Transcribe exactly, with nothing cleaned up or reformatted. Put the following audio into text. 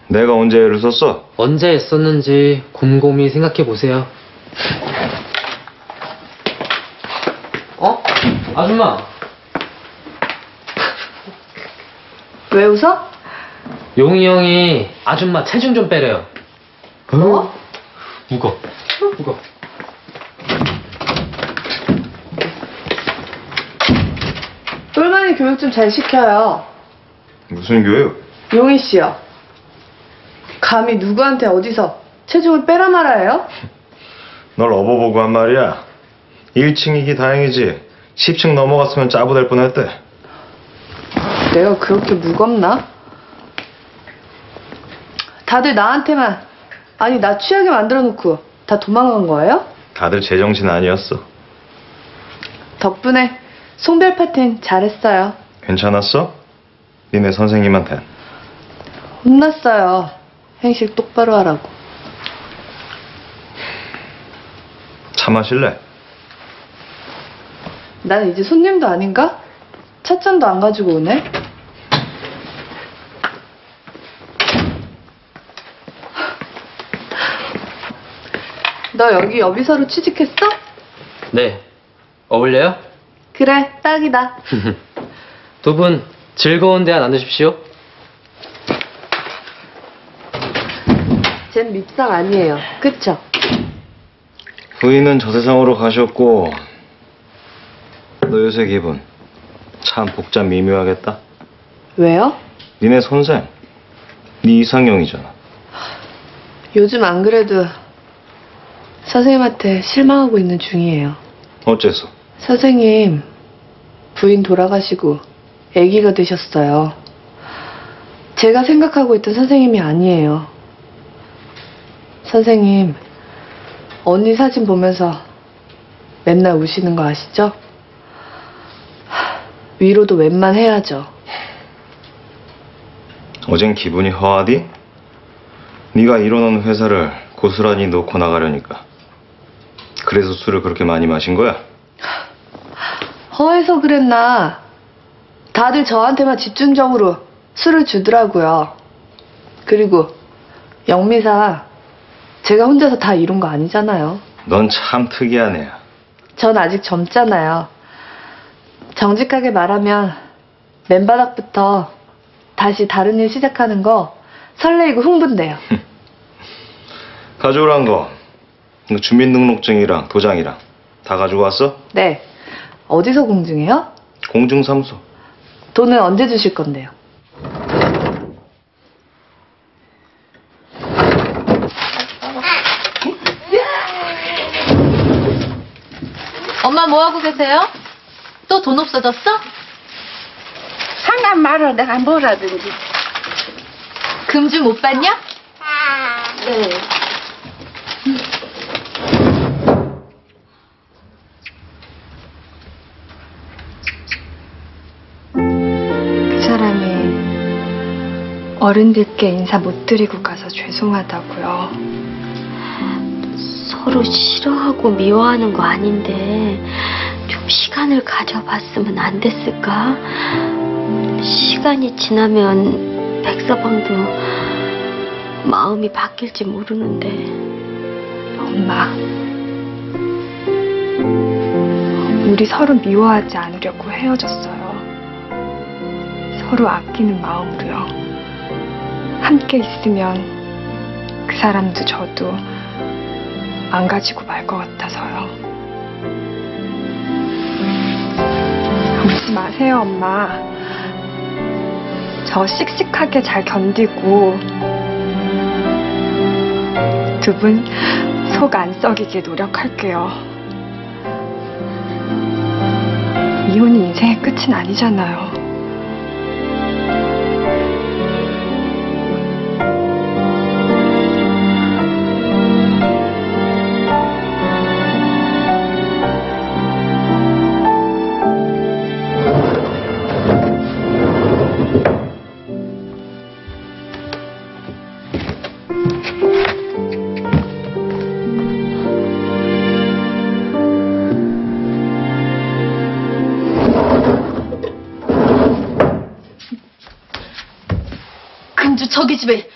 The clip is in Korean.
내가 언제 애를 썼어? 언제 했었는지 곰곰이 생각해보세요. 어? 아줌마! 왜 웃어? 용이 형이 아줌마 체중 좀 빼래요. 뭐? 무거. 무거. 똘마니 교육 좀 잘 시켜요. 무슨 교육? 용희 씨요. 감히 누구한테 어디서 체중을 빼라 말아요? 널 업어보고 한 말이야. 일 층이기 다행이지. 십 층 넘어갔으면 짜부될 뻔했대. 내가 그렇게 무겁나? 다들 나한테만, 아니 나 취하게 만들어 놓고 다 도망간 거예요? 다들 제정신 아니었어. 덕분에 송별 파티는 잘했어요. 괜찮았어? 니네 선생님한텐. 혼났어요. 행실 똑바로 하라고. 차 마실래? 나는 이제 손님도 아닌가? 찻잔도 안 가지고 오네. 너 여기 여비서로 취직했어? 네. 어울려요? 그래, 딱이다. 두 분 즐거운 대화 나누십시오. 쟨 밉상 아니에요. 그쵸? 부인은 저 세상으로 가셨고 너 요새 기분 참 복잡 미묘하겠다. 왜요? 니네 선생 네 이상형이잖아. 요즘 안 그래도 선생님한테 실망하고 있는 중이에요. 어째서? 선생님, 부인 돌아가시고 아기가 되셨어요. 제가 생각하고 있던 선생님이 아니에요. 선생님, 언니 사진 보면서 맨날 우시는 거 아시죠? 하, 위로도 웬만해야죠. 어젠 기분이 허하디? 네가 이뤄놓은 회사를 고스란히 놓고 나가려니까. 그래서 술을 그렇게 많이 마신 거야? 허해서 그랬나? 다들 저한테만 집중적으로 술을 주더라고요. 그리고 영미사, 제가 혼자서 다 이룬 거 아니잖아요. 넌 참 특이한 애야. 전 아직 젊잖아요. 정직하게 말하면 맨바닥부터 다시 다른 일 시작하는 거 설레이고 흥분돼요. 가져오란 거 너 주민등록증이랑 도장이랑 다 가지고 왔어? 네. 어디서 공증해요? 공증사무소. 돈은 언제 주실 건데요? 엄마 뭐하고 계세요? 또 돈 없어졌어? 상관 말어. 내가 뭐라든지. 금주 못 받냐? 네. 그 사람이 어른들께 인사 못 드리고 가서 죄송하다고요. 서로 싫어하고 미워하는 거 아닌데 좀 시간을 가져봤으면 안 됐을까? 시간이 지나면 백서방도 마음이 바뀔지 모르는데. 엄마, 우리 서로 미워하지 않으려고 헤어졌어요. 서로 아끼는 마음으로요. 함께 있으면 그 사람도 저도 망가지고 말 것 같아서요. 울지 마세요, 엄마. 저 씩씩하게 잘 견디고 두 분 속 안 썩이게 노력할게요. 이혼이 인생의 끝은 아니잖아요. 금주 저기 집에